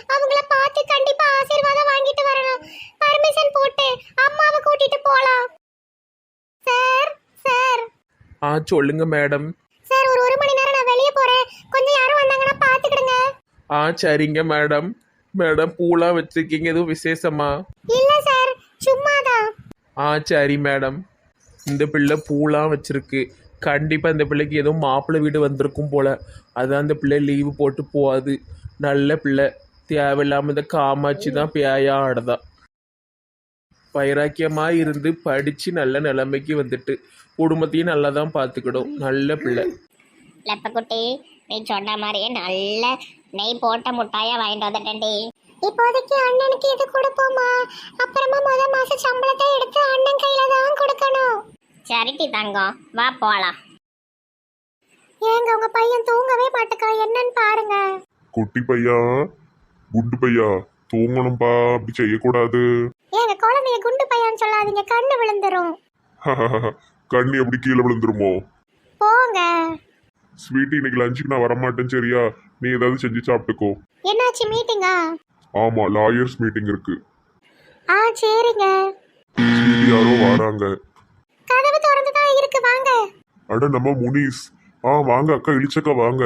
அவங்கள பார்த்து கண்டிப்பா ஆசீர்வாதம் வாங்கிட்டு வரணும். பர்மிஷன் போட்டு அம்மாவை கூட்டிட்டு போலாம். சார் சார் சொல்லுங்க மேடம். சார் ஒரு மணி நேரம் நான் வெளியே போறேன். கொஞ்சம் யாரும் வந்தாங்கன்னா பாத்துக்கிடுங்க. சரிங்க மேடம். மேடம் பூலாம் வச்சிருக்கீங்க, எதுவும் விசேஷமா? இல்ல சார், சும்மாதான். சரி மேடம். இந்த பிள்ளை பூலாம் வச்சிருக்கு. கண்டிப்பாக இந்த பிள்ளைக்கு ஏதோ மாப்பிள்ளை வீடு வந்திருக்கும் போல. அதான் அந்த பிள்ளை லீவு போட்டு போகாது. நல்ல பிள்ளை. தேவையில்லாமல் இந்த காமாட்சி தான் பேயா ஆடுதா. வைராக்கியமாக இருந்து படித்து நல்ல நிலைமைக்கு வந்துட்டு குடும்பத்தையும் நல்லா தான் பார்த்துக்கிடும். நல்ல பிள்ளை. லெப்பக்குட்டி, நீ சொன்ன மாதிரியே நல்ல நெய் போட்ட முட்டாயா வாங்கிட்டு வந்துட்டேன்டி. இப்போதைக்கு அண்ணனுக்கு இது கொடுப்போமா, அப்புறமா மாசம் சம்பளத்தை எடுத்து அண்ணன் கையில தான் கொடுக்கணும். சரிட்டி தங்கம், வா போலாம். ஏங்க உங்க பையன் தூங்கவே மாட்டேக்கா, என்னன்னு பாருங்க. குட்டி பையா, குண்டு பையா, தூங்கணும்பா, அப்படி செய்யக்கூடாது. ஏங்க குழந்தைய குண்டு பையன்னு சொல்லாதீங்க, கண்ணு விழுந்துரும். கண்ணி எப்படி கீழே விழுந்துருமோ? போங்க. ஸ்வீட், இன்னைக்கு லஞ்சுக்கு நான் வரமாட்டேன், சரியா? நீ ஏதாவது செஞ்சு சாப்பிட்டுக்கோ. என்னாச்சு, மீட்டிங்கா? ஆமா, லாயர்ஸ் மீட்டிங் இருக்கு. சரிங்க. ஸ்வீட், யாரோ வராங்க. கதவு திறந்து தான் இருக்கு, வாங்க. அட, நம்ம முனிஸ். வாங்க அக்கா, இளிச்சக்கா வாங்க.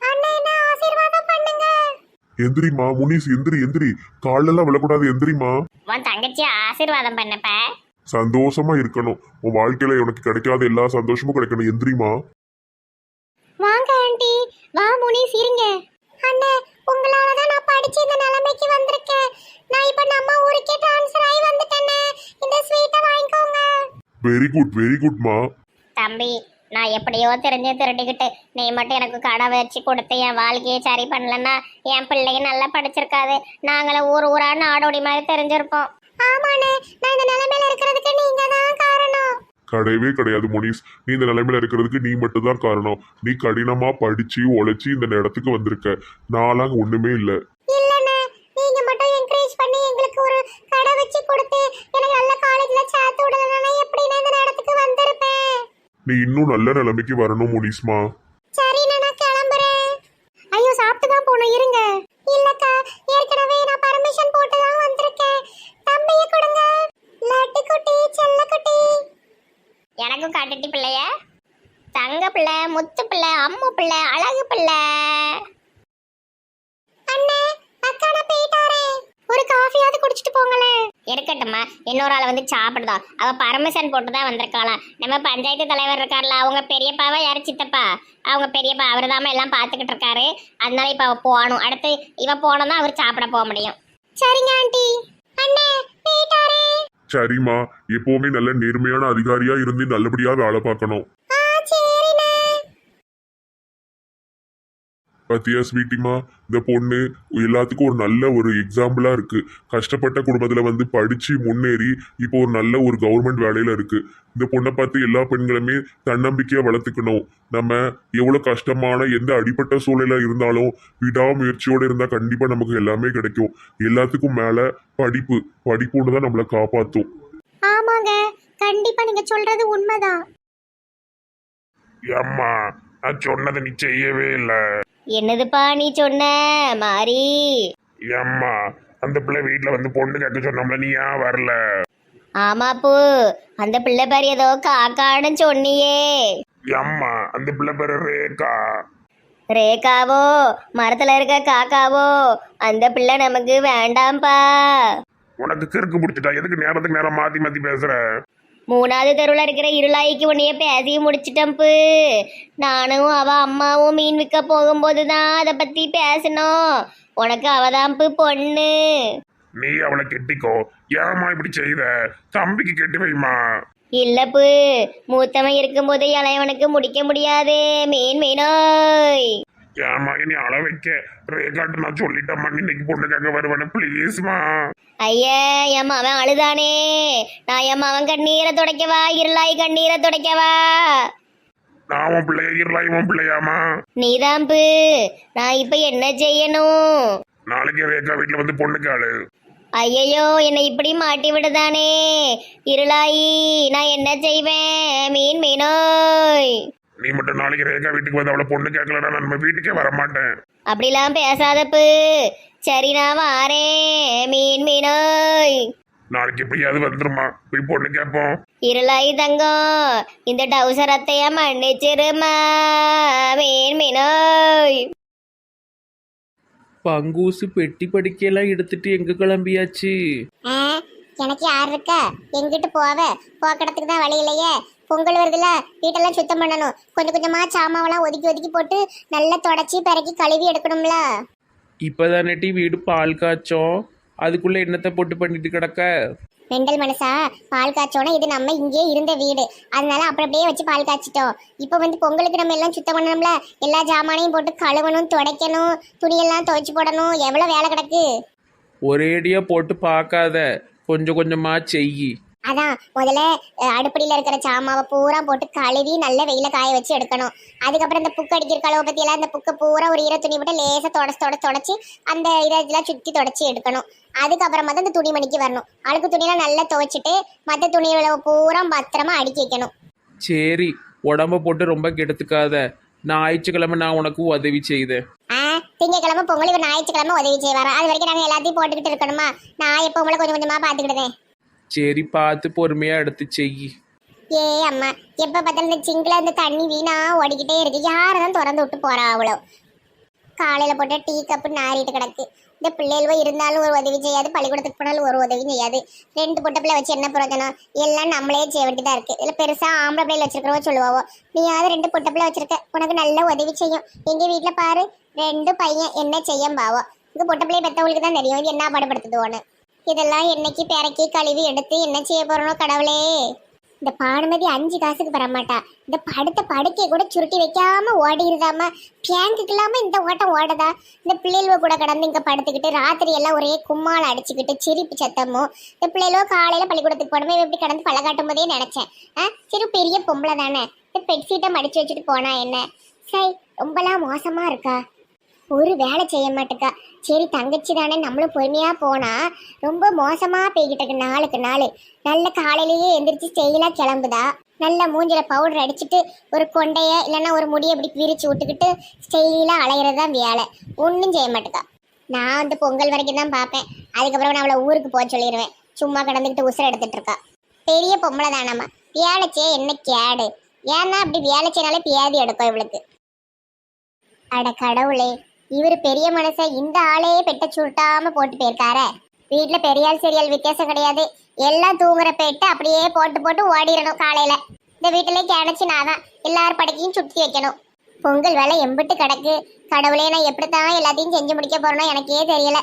எந்திரிமா முனிஸ், எந்திரி. காலெல்லாம் விழக்கூடாது, எந்திரிமா. உன் தங்கச்சி ஆசீர்வாதம் பண்ணப்ப சந்தோஷமா இருக்கணும். உன் வாழ்க்கையில உனக்கு கிடைக்காத எல்லா சந்தோஷமும் கிடைக்கணும். எந்திரிமா. வாங்க ஆண்டி, வா முனிஸ், இருங்க. அண்ணே, உங்களால தான் நான் படிச்சு இந்த நிலைமைக்கு வந்திருக்கேன். நான் இப்ப நம்ம ஊருக்கே ட்ரான்ஸ்ஃபர் ஆகி வந்துட்டேனே. இந்த ஸ்வீட்டை வாங்கிக்கோங்க. வெரி குட்மா. தம்பி, நான் எப்படியோ தெரிஞ்சு திருட்டிக்கிட்டு நீ மட்டும் எனக்கு கடை வச்சு கொடுத்து என் வாழ்க்கையை சரி பண்ணலன்னா என் பிள்ளைங்க நல்லா படிச்சிருக்காது. நாங்களும் ஊரா நாடோடி மாதிரி தெரிஞ்சிருப்போம். ஆமாண்ணே, நான் இந்த நிலைமையில இருக்கிறதுக்கு நீங்க தான் காரணம். கிடையவே கிடையாது முனிஸ். நீ இந்த நிலைமையில இருக்கிறதுக்கு நீ மட்டும் தான் காரணம். நீ கடினமா படிச்சு உழைச்சி இந்த இடத்துக்கு வந்திருக்க. நான்லாம் ஒண்ணுமே இல்ல. இல்லண்ணே, நீங்க மட்டும் என்கரேஜ் பண்ணி எங்களுக்கு ஒரு கடை வச்சு கொடுத்து எனக்கு நல்ல காலேஜ்ல சேர்த்து விடலன்னா எப்படி நான் இந்த இடத்துக்கு வந்திருப்பேன். நீ இன்னும் நல்ல நிலைமைக்கு வரணும் முனிஸ்மா. சரி, நான் கிளம்புறேன். ஐயோ, சாப்பிட்டு தான் போகணும், இருங்க. இல்லக்கா, ஏற்கனவே நான் பர்மிஷன் போட்டு தான் வந்திருக்கேன். தம்பியை கொடுங்க. லட்டு குட்டி, செல்ல குட்டி. எனக்கும் காட்டுட்டி பிள்ளைய. தங்க பிள்ளை, முத்து பிள்ளை, அம்மு பிள்ளை, அழகு பிள்ளை. அண்ணே, அக்கா நான் போயிட்டாரே. ஒரு காஃபியாவது குடிச்சிட்டு போங்களே. இருக்கட்டும்மா, இன்னொரு ஆள் வந்து சாப்பிடுதா. அவ பர்மிஷன் போட்டு தான் வந்திருக்காளாம். நம்ம பஞ்சாயத்து தலைவர் இருக்கார்ல, அவங்க பெரியப்பாவா யாரு சித்தப்பா, அவங்க பெரியப்பா அவர் தான் எல்லாம் பார்த்துக்கிட்டு இருக்காரு. அதனால இப்ப அவ போகணும். அடுத்து இவ போனதான் அவர் சாப்பிட போக முடியும். சரிங்க ஆண்டி. அண்ணே, போயிட்டாரே. சரிம்மா, எப்பவுமே நல்ல நேர்மையான அதிகாரியா இருந்து நல்லபடியா வேலை பார்க்கணும். பத்தியா ஸ்வீட்டிமா, இந்த பொண்ணு எல்லாத்துக்கும் ஒரு நல்ல ஒரு எக்ஸாம்பிளா இருக்கு. கஷ்டப்பட்ட குடும்பத்துல வந்து படிச்சு முன்னேறி இப்போ ஒரு நல்ல ஒரு கவர்மெண்ட் வேலையில இருக்கு. இந்த பொண்ணை பார்த்து எல்லா பெண்களுமே தன்னம்பிக்கையா வளர்த்துக்கணும். நம்ம எவ்வளவு கஷ்டமான எந்த அடிப்பட்ட சூழலா இருந்தாலும் விடாமுயற்சியோட இருந்தா கண்டிப்பா நமக்கு எல்லாமே கிடைக்கும். எல்லாத்துக்கும் மேல படிப்புன்னு தான் நம்மளை காப்பாத்தும். ஆமாங்க, கண்டிப்பா நீங்க சொல்றது உண்மைதான். அம்மா, நான் சொன்னதை நீ செய்யவே இல்லை. என்னதுப்பா நீ சொன்ன மாறி? அம்மா, அந்த பிள்ளை வீட்டுல வந்து பொண்ணு கேட்க சொன்னோம்ல, நீ ஏன் வரல? ஆமாப்பூ, அந்த பிள்ளை பேர் ஏதோ காக்கான்னு சொன்னியே. அம்மா, அந்த பிள்ளை பேரு ரேகா. ரேகாவோ, மரத்துல இருக்க காக்காவோ? அந்த பிள்ளை நமக்கு வேண்டாம்ப்பா. உனக்கு கிறுக்கு பிடிச்சிட்டா? எதுக்கு நேரத்துக்கு நேரம் மாத்தி மாத்தி பேசுற? 3வது தெருவில் இருக்கிற இருளாய்க்கு உன்னைய பேசி முடிச்சிட்டம்பு. நானும் அவ அம்மாவும் மீன் விற்க போகும்போது தான் அதை பத்தி பேசணும். உனக்கு அவதாம்பு பொண்ணு. நீ அவளை கெட்டிக்கோ. ஏமா இப்படி செய்த? தம்பிக்கு கெட்டி வைமா. இல்லப்பு, மூத்தவன் இருக்கும்போது இளையவனுக்கு முடிக்க முடியாது. மீனோய். ஏமா நீ அள வைக்க? ரேகாட்டு நான் சொல்லிட்டேம்மா, இன்னைக்கு பொண்ணு கேட்க வருவேன்னு, ப்ளீஸ்மா. ஐயா, என் அவன் அழுதானே. நான் என் அவன் கண்ணீரை துடைக்கவா? இருளாய் கண்ணீரை துடைக்கவா? நான் உன் பிள்ளைய இருளாய் உன் பிள்ளையாமா? நீதாம்பு. நான் இப்ப என்ன செய்யணும்? நாளைக்கு ரேகா வீட்டுல வந்து பொண்ணு கேளு. ஐயையோ, என்னை இப்படி மாட்டி விடுதானே. இருளாயி, நான் என்ன செய்வேன்? மீனோய். நீ நீ மட்டும் நாளைக்கு ரேகா வீட்டுக்கு வந்து அவளை பொண்ணு கேட்கலன்னா நான் நம்ம வீட்டுக்கே வரமாட்டேன். அப்படிலாம் பேசாதப்பு. சரி நான் வாரேன் மீன் மீனாய். நாளைக்கு எப்படியாவது வந்துருமா, போய் பொண்ணு கேட்போம். இருளாய் தங்கம் இந்த டவுசர் அத்தைய மன்னிச்சிருமா மீன் மீனாய். பங்கூசு பெட்டி படிக்கையெல்லாம் எடுத்துட்டு எங்க கிளம்பியாச்சு? எனக்கு யார் இருக்கா? எங்கிட்டு போவ? போக்கடத்துக்கு தான் வழி இல்லையே. பொங்கல் வருதுல, வீட்டெல்லாம் சுத்தம் பண்ணணும். கொஞ்சம் கொஞ்சமா சாமாவெல்லாம் ஒதுக்கி ஒதுக்கி போட்டு நல்லா தொடச்சி பிறக்கி கழுவி எடுக்கணும்ல. இப்பதானே வீடு பால் காய்ச்சோம், அதுக்குள்ள என்னத்தை போட்டு பண்ணிட்டு கிடக்க? மெண்டல் மனசா, பால் காய்ச்சோன்னா இது நம்ம இங்கே இருந்த வீடு, அதனால அப்புறம் அப்படியே வச்சு பால் காய்ச்சிட்டோம். இப்போ வந்து பொங்கலுக்கு நம்ம எல்லாம் சுத்தம் பண்ணணும்ல, எல்லா ஜாமானையும் போட்டு கழுவணும், துடைக்கணும், துணியெல்லாம் துவைச்சு போடணும், எவ்வளோ வேலை கிடக்கு. ஒரேடியா போட்டு பார்க்காத, கொஞ்சம் கொஞ்சமா செய். அதான் முதல்ல அடுப்படியில் இருக்கிற சாமாவை பூரா போட்டு கழுவி நல்ல வெயில காய வச்சு எடுக்கணும். அதுக்கப்புறம் இந்த புக்கு அடிக்கிற கழுவை பற்றியெல்லாம் இந்த புக்கை பூரா ஒரு ஈர துணி போட்டு லேசாக தொடச்சி அந்த இதெல்லாம் சுற்றி தொடச்சி எடுக்கணும். அதுக்கப்புறமா தான் இந்த துணிமணிக்கு வரணும். அழுக்கு துணியெல்லாம் நல்லா துவைச்சிட்டு மற்ற துணிகளை பூரா பத்திரமா அடுக்கி வைக்கணும். சரி, உடம்ப போட்டு ரொம்ப கெடுத்துக்காத. ஞாயிற்றுக்கிழமை நான் உனக்கு உதவி செய்தேன். திங்கக்கிழமை பொங்கல், இவர் ஞாயிற்றுக்கிழமை உதவி செய்வாரா? அது வரைக்கும் நாங்கள் எல்லாத்தையும் போட்டுக்கிட்டு இருக்கணுமா? நான் எப்போ உங்களை கொஞ்சம் கொஞ்சமாக பார்த்துக்கிடுதேன். சரி, பார்த்து பொறுமையா எடுத்து செய். ஏ அம்மா, எப்போ பார்த்தாலும் இந்த சிங்கில் இந்த தண்ணி வீணா ஓடிக்கிட்டே இருக்கு. யாரும் திறந்து விட்டு போறா அவ்வளோ. காலையில் போட்ட டீ கப்பு நாரிட்டு கிடக்கு. இந்த பிள்ளைகளோ இருந்தாலும் ஒரு உதவி செய்யாது, பள்ளிக்கூடத்துக்கு போனாலும் ஒரு உதவியும் செய்யாது. 2 பொட்டை பிள்ளை வச்சு என்ன பிரயோஜனம்? எல்லாம் நம்மளே செய்ய வேண்டியதாக இருக்குது. இல்லை பெருசாக ஆம்பளை பிள்ளைகள் வச்சிருக்கிறவோ சொல்லுவாவோ, நீயாவது 2 பொட்டை பிள்ளை வச்சிருக்க, உனக்கு நல்ல உதவி செய்யும். எங்கள் வீட்டில் பாரு, 2 பையன் என்ன செய்யும் பாவோ. இந்த பொட்டை பிள்ளையை பெற்றவங்களுக்கு தான் தெரியும் இது என்ன பாடுபடுத்துதுவோன்னு. இதெல்லாம் என்னைக்கு பிறக்கி கழுவி எடுத்து என்ன செய்ய போறனோ கடவுளே. இந்த பானுமதி 5 காசுக்கு வரமாட்டா. இந்த படுத்த படுக்கையை கூட சுருட்டி வைக்காம ஓடிடுதாமா. பேங்குக்கு இல்லாம இந்த ஓட்டம் ஓடுதா? இந்த பிள்ளைகளோ கூட கடந்து இங்க படுத்துக்கிட்டு ராத்திரி எல்லாம் ஒரே கும்மால் அடிச்சுக்கிட்டு சிரிப்பு சத்தமும். இந்த பிள்ளைகளோ காலையில பள்ளிக்கூடத்துக்கு போனமே எப்படி கடந்து பழ காட்டும் போதே நினைச்சேன். சரி, பெரிய பொம்பளை தானே, இந்த பெட்ஷீட்டை மடிச்சு வச்சுட்டு போனா என்ன? சரி, ரொம்பலாம் மோசமா இருக்கா, ஒரு வேலை செய்ய மாட்டேக்கா. சரி, தங்கச்சி தானே, நம்மளும் பொறுமையா போனா. ரொம்ப மோசமா போய்கிட்டு இருக்கு நாளுக்கு நாள். நல்ல காலையிலேயே எந்திரிச்சு ஸ்டெயிலா கிளம்புதா. நல்ல மூஞ்சில பவுடர் அடிச்சுட்டு ஒரு கொண்டைய இல்லைன்னா ஒரு முடியை இப்படி பிரிச்சு விட்டுக்கிட்டு ஸ்டெயிலா அலையிறது தான் வேலை. ஒன்றும் செய்ய மாட்டேக்கா. நான் வந்து பொங்கல் வரைக்கும் தான் பார்ப்பேன். அதுக்கப்புறம் நான் அவளை ஊருக்கு போக சொல்லிடுவேன். சும்மா கடந்துக்கிட்டு உசுரை எடுத்துட்டு இருக்கா. பெரிய பொம்பளை தானம்மா, வேலை செய்ய என்ன கேடு? ஏன்னா அப்படி வேலை செய்யனாலே பியாதி எடுக்கும் இவளுக்கு. அட கடவுளே, இவர் பெரிய மனுஷன், இந்த ஆளையே பெட்ட சுருட்டாம போட்டு போயிருக்கார. வீட்டுல பெரியாள் சீரியல் வித்தியாசம் கிடையாது. எல்லாம் தூங்குற பெட்டு அப்படியே போட்டு போட்டு ஓடிடணும். காலையில இந்த வீட்டுல கிணச்சி நான் தான் எல்லாரும் படுக்கையும் சுற்றி வைக்கணும். பொங்கல் வேலை எம்பிட்டு கிடக்கு. கடவுளே, நான் எப்படித்தான் எல்லாத்தையும் செஞ்சு முடிக்க போறேனோ எனக்கே தெரியல.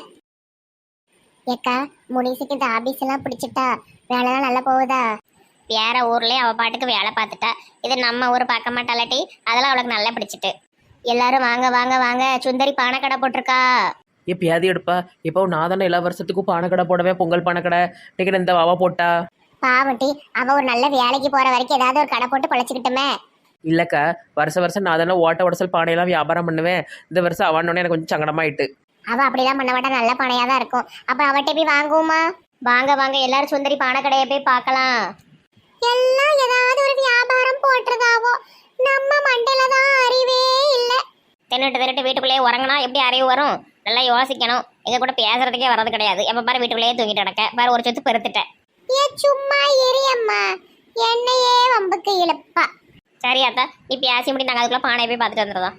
ஏக்கா, முனிசுக்கு இந்த ஆபீஸ் எல்லாம் பிடிச்சிட்டா? வேலைலாம் நல்லா போகுதா? வேற ஊர்லயே அவ பாட்டுக்கு வேலை பார்த்துட்டா. இது நம்ம ஊர் பார்க்க மாட்டாளாட்டி, அதெல்லாம் அவளுக்கு நல்லா பிடிச்சிட்டு. எல்லாரும் வாங்க வாங்க வாங்க, சுந்தரி பானை கடை போட்டிருக்கா. எப்பயாவது எடுப்பா. இப்போ நான் தானே எல்லா வருஷத்துக்கும் பானை கடை போடவே, பொங்கல் பானை கடை டிக்கெட் இந்த வாவா போட்டா. பாவட்டி, அவ ஒரு நல்ல வேலைக்கு போற வரைக்கும் ஏதாவது ஒரு கடை போட்டு பழச்சிக்கிட்டுமே. இல்லைக்கா, வருஷம் நான் தானே ஓட்ட உடசல் பானையெல்லாம் வியாபாரம் பண்ணுவேன். இந்த வருஷம் அவனோடனே எனக்கு கொஞ்சம் சங்கடமாயிட்டு. அவ அப்படிலாம் பண்ண மாட்டா, நல்ல பானையா தான் இருக்கும். அப்ப அவட்ட போய் வாங்குவோமா? வாங்க வாங்க, எல்லாரும் சுந்தரி பானை கடையை போய் பார்க்கலாம். எல்லாம் ஏதாவது ஒரு வியாபாரம் போட்டுருதாவோ, நம்ம மண்டையில தான் அறிவே இல்லை. தின்னுட்டு வீட்டுக்குள்ளேயே உறங்கினா எப்படி அறிவு வரும்? நல்லா யோசிக்கணும். எங்க கூட பேசுறதுக்கே வர்றது கிடையாது. எப்ப பாரு வீட்டுக்குள்ளேயே தூங்கிட்டு நடக்க பாரு. ஒரு சொத்து பெருத்துட்டேன். ஏ சும்மா எரியம்மா, என்னையே வம்புக்கு இழுப்பா. சரியாத்தா, நீ பேசி முடி, நாங்கள் அதுக்குள்ள பானை போய் பார்த்துட்டு வந்துடுறோம்.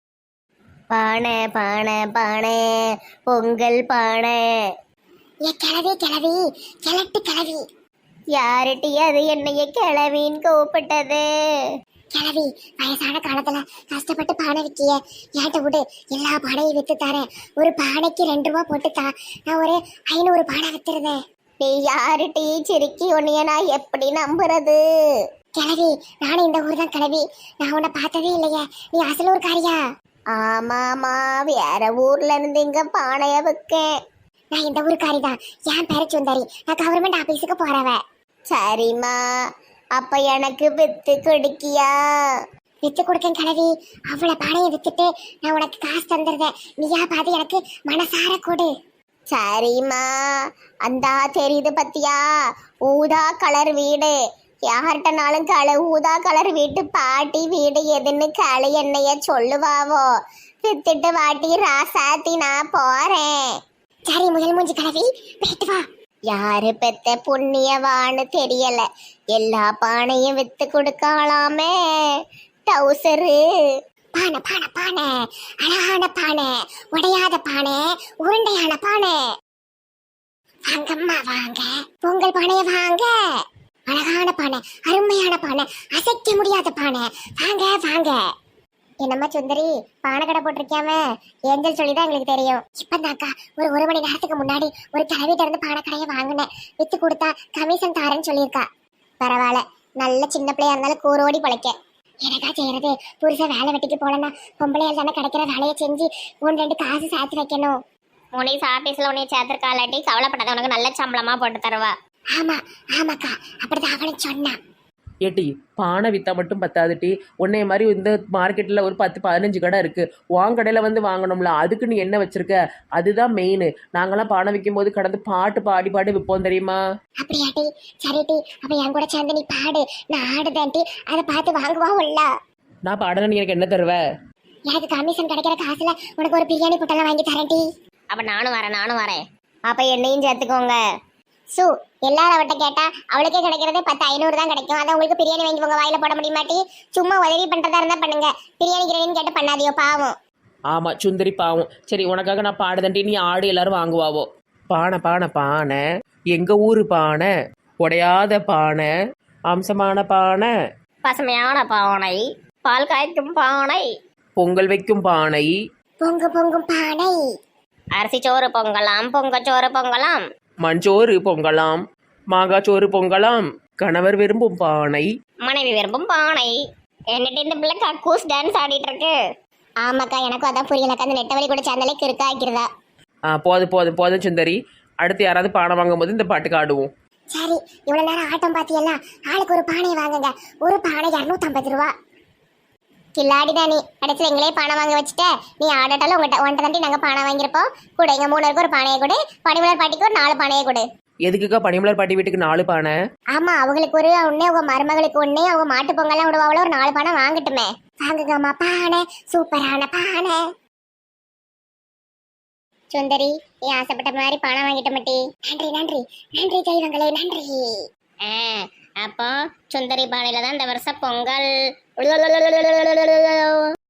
பானை பானை பானை, பொங்கல் பானை. ஏ கிளவி கிளவி, கிளட்டு கிளவி. யாருட்டி அது என்னைய கிளவின்னு கூப்பிட்டது? கிளவி, வயசான காலத்துல கஷ்டப்பட்டு பானை விற்கிய, ஏட்ட விடு, எல்லா பானையும் வித்து தரேன். ஒரு பானைக்கு 2 ரூபா போட்டுத்தா, நான் ஒரு 500 பானை வித்துருதேன். நீ யாரு டீ சிரிக்கி, உன்னைய நான் எப்படி நம்புறது? கிளவி, நானும் இந்த ஊர் தான் கிளவி. நான் உன்னை பார்த்ததே இல்லையே, நீ அசல் ஊர்காரியா? ஆமாமா, வேற ஊர்ல இருந்து இங்க பானைய விற்கேன். நான் இந்த ஊருக்காரி தான், என் பேரு சுந்தரி. நான் கவர்மெண்ட் ஆபீஸுக்கு போறவ. சரிம்மா, அப்ப எனக்கு வித்து கொடுக்கியா? வித்து கொடுக்கேன் கிழவி. அவ்வளவு பானையை வித்துட்டு நான் உனக்கு காசு தந்துடுறேன். நீயா பாதி எனக்கு மனசார கொடு. சரிம்மா, அந்த தெரியுது பத்தியா, ஊதா கலர் வீடு, யார்கிட்டனாலும் ஊதா கலர் வீட்டு பாட்டி வீடு எதுன்னு களை என்னைய சொல்லுவாவோ. வித்துட்டு வாட்டி ராசாத்தி நான் போறேன். சரி முதல் மூஞ்சி கலவி போயிட்டு வா. யாரு பெத்த புண்ணியவான்னு தெரியல, எல்லா பானையும் வித்து கொடுக்கலாமே. டவுசரு பானை பானை பானை, அழகான பானை, உடையாத பானை, உருண்டையான பானை. வாங்கம்மா வாங்க, பொங்கல் பானைய வாங்க. அழகான பானை, அருமையான பானை, அசைக்க முடியாத பானை, வாங்க வாங்க. என்னம்மா சுந்தரி, பானை கடை போட்டிருக்காம ஏஞ்சல் சொல்லிதான் எங்களுக்கு தெரியும். இப்பதாக்கா ஒரு மணி நேரத்துக்கு முன்னாடி ஒரு கிளவிட்ட இருந்து பானை கடையை வாங்கினேன். வித்து கொடுத்தா கமிஷன் தாரேன்னு சொல்லியிருக்கா. பரவாயில்ல, நல்ல சின்ன பிள்ளையா இருந்தாலும் கூரோடி பழைக்க. எனக்கா செய்யறது, புருஷன் வேலை வெட்டிக்கு போலன்னா பொம்பளையால் தானே கிடைக்கிற வேலையை செஞ்சு 1-2 காசு சேர்த்து வைக்கணும். முனிஸ் ஆபீஸ்ல உன்னை சேர்த்திருக்காளாட்டி கவலைப்படாத, உனக்கு நல்ல சம்பளமா போட்டு தருவா. ஆமா ஆமாக்கா, அப்படிதான் அவளும் சொன்னான். ஏட்டி பானை விற்றா மட்டும் பத்தாதுட்டி, உன்னைய மாதிரி இந்த மார்க்கெட்டில் ஒரு 10-15 கடை இருக்குது. உன் கடையில் வந்து வாங்கணும்ல, அதுக்கு நீ என்ன வச்சுருக்க? அதுதான் மெயின். நாங்களாம் பானை விற்கும் போது கடந்து பாட்டு பாடி விற்போம் தெரியுமா? அப்படியாட்டி? சரிட்டி, அப்ப என் கூட சேர்ந்து நீ பாடு, நான் ஆடுதான்ட்டி. அதை பார்த்து வாங்குவாவுல்ல. நான் பாடல, நீ எனக்கு என்ன தருவ? எனக்கு கமிஷன் கிடைக்கிற காசுல உனக்கு ஒரு பிரியாணி பொட்டெல்லாம் வாங்கி தரேன்ட்டி. அப்ப நானும் வரேன். அப்ப என்னையும் சேர்த்துக்கோங்க. சு எல்லாரும் அவட்ட கேட்டா அவளுக்கே கிடைக்கிறதே 10-500 தான் கிடைக்கும். அதை உங்களுக்கு பிரியாணி வாங்கி உங்க வாயில போட முடியுமாட்டி? சும்மா உதவி பண்றதா இருந்தா பண்ணுங்க, பிரியாணி கிரேடின்னு கேட்டு பண்ணாதியோ, பாவம். ஆமாம் சுந்தரி பாவம். சரி உனக்காக நான் பாடுதண்டி, நீ ஆடு, எல்லாரும் வாங்குவாவோ. பானை பானை பானை, எங்கள் ஊர் பானை, உடையாத பானை, அம்சமான பானை, பசுமையான பானை, பால் காய்க்கும் பானை, பொங்கல் வைக்கும் பானை, பொங்கும் பானை, அரிசி சோறு பொங்கலாம், பொங்கச்சோறு பொங்கலாம், மஞ்சோறு பொங்கலாம், மாங்காச்சோறு பொங்கலாம், கணவர் விரும்பும் பானை, மனைவி விரும்பும் பானை. என்னட்டு இந்த பிள்ளை கக்கூஸ் டான்ஸ் ஆடிட்டு இருக்கு. ஆமாக்கா, எனக்கும் அதான் புரியலக்கா. அந்த நெட்டவழி கூட சேர்ந்தாலே கிறுக்கா ஆக்கிறதா. போதும் சுந்தரி. அடுத்து யாராவது பானை வாங்கும்போது இந்த பாட்டுக்கு ஆடுவோம். சரி, இவ்வளவு நேரம் ஆட்டம் பாத்தியெல்லாம், ஆளுக்கு ஒரு பானையை வாங்குங்க. ஒரு பானை 250 ரூபா. கில்லாடிதான் நீ. கடைசியில் எங்களே பானை வாங்க வச்சுட்ட. நீ ஆடட்டாலும் உங்கள்கிட்ட தாண்டி நாங்கள் பானை வாங்கியிருப்போம். கூட எங்கள் 3 பேருக்கு ஒரு பானையை கொடு, பனிமலர் பாட்டிக்கு ஒரு 4 பானையை கொடு. எதுக்குக்கா பனிமலர் பாட்டி வீட்டுக்கு 4 பானை? ஆமா, அவங்களுக்கு ஒரு ஒன்னே, உங்க மருமகளுக்கு ஒன்னே, அவங்க மாட்டு பொங்கல்லாம் விடுவாங்களோ, ஒரு 4 பானை வாங்கட்டுமே. வாங்குங்கம்மா பானை, சூப்பரான பானை. சுந்தரி, நீ ஆசைப்பட்ட மாதிரி பானை வாங்கிட்ட மாட்டி. நன்றி தெய்வங்களே, நன்றி. அப்போ சுந்தரி பானையில தான் இந்த வருஷம் பொங்கல்.